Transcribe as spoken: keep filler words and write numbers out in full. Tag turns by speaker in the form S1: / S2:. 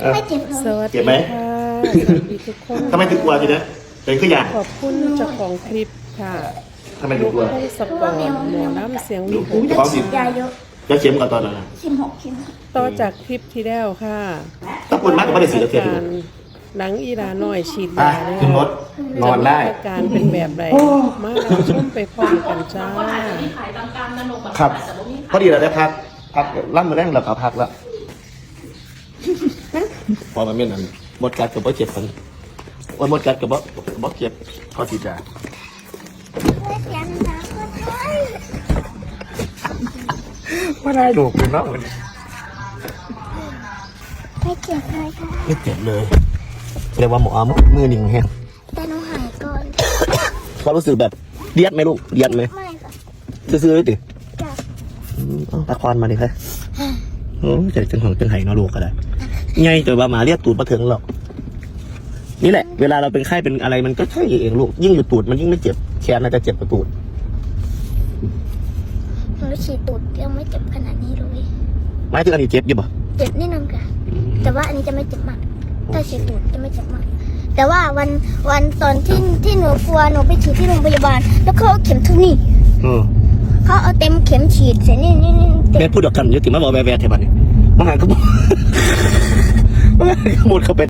S1: ไม่เจ็บเลย
S2: สวัส
S3: เจ็
S2: ดี
S3: บไหม
S2: ค่ะสวัสดีทุกคน
S3: ทำไมถึงกลัวทีนะเป็นขึ้นอย่าง
S2: ขอบคุณเจ้าของคลิปค่ะ
S3: ทำไมถึงกลัว
S2: ให้สปอร์ตหมอน้ำเสียง
S3: ดู
S2: วิห
S3: กู
S2: ก
S3: จะฟ้องสิ
S1: ยาเยอะ
S3: จะเข็มก่อนตอนนั้นนะ
S1: สิบหกเข็ม
S2: ต่อจากคลิปที่แล้วค่ะ
S3: ถ้าปวดมากก็ไม่ได้สีตะเกียบ
S2: การหนังอีราหน่อยฉีด
S3: อ่ะ
S2: ยาเนี่ย
S3: ขึ้นรถนอนได้
S2: อาการเป็นแบบไรมาเราชมไปพร้อมกันจ้า
S3: ครับพอดีเราได้พักพักร่ำมือแรงเราก็พักแล้วพอมาเม่นนั้นหมดกัดกับบ่เจ็บมันวันหมดกัดกับบ่บ่เจ็บพอทีจ้า
S1: ไม่เสียนะก็ได้
S3: ว่าได้ดูเป็นเนาะมัน
S1: ไม่เจ็บเลยค่ะ
S3: ไม่เจ็บเลยเรียกว่าหมอมือหนิ่งแห้ง
S1: แต่หนูหายก่อน
S3: ความรู้สึกแบบเดียดไหมลูกเดียดไหม
S1: ไม่ค่ะ
S3: ซื่อๆเลยติ
S1: จับ
S3: อืมเอาตะควันมาดิครับโอ้ใจจังของจังไห้เนาะลูกก็ได้ไงแต่ว่าหมาเรียกตูดมาถึงหรอกนี่แหละเวลาเราเป็นไข้เป็นอะไรมันก็ใช่เองลูกยิ่งอยู่ตูดมันยิ่งไม่เจ็บแขนน่าจะเจ็บกว่าตูด
S1: หนูฉีดตูดยังไม่เจ็บขนาดนี้เลย
S3: หมายถึงอันนี้เจ็บอยู่ปะ
S1: เจ็บนิดนึงค่ะแต่ว่าอันนี้จะไม่เจ็บมากถ้าฉีดตูดจะไม่เจ็บมากแต่ว่าวันวันตอนที่ที่หนูกลัวหนูไปฉีดที่โรงพยาบาล แล้วเขาเอาเข็มทุกนี่
S3: อืม
S1: เขาเอาเต็มเข็มฉีดเสร็จนี่นี่นี่เต็
S3: แม่
S1: ม
S3: พูดเดียวกันอยุติมาบอกแวร์แวร์เทบันนี่มาหาก็บอกมาหาก็หมดเขาเป็น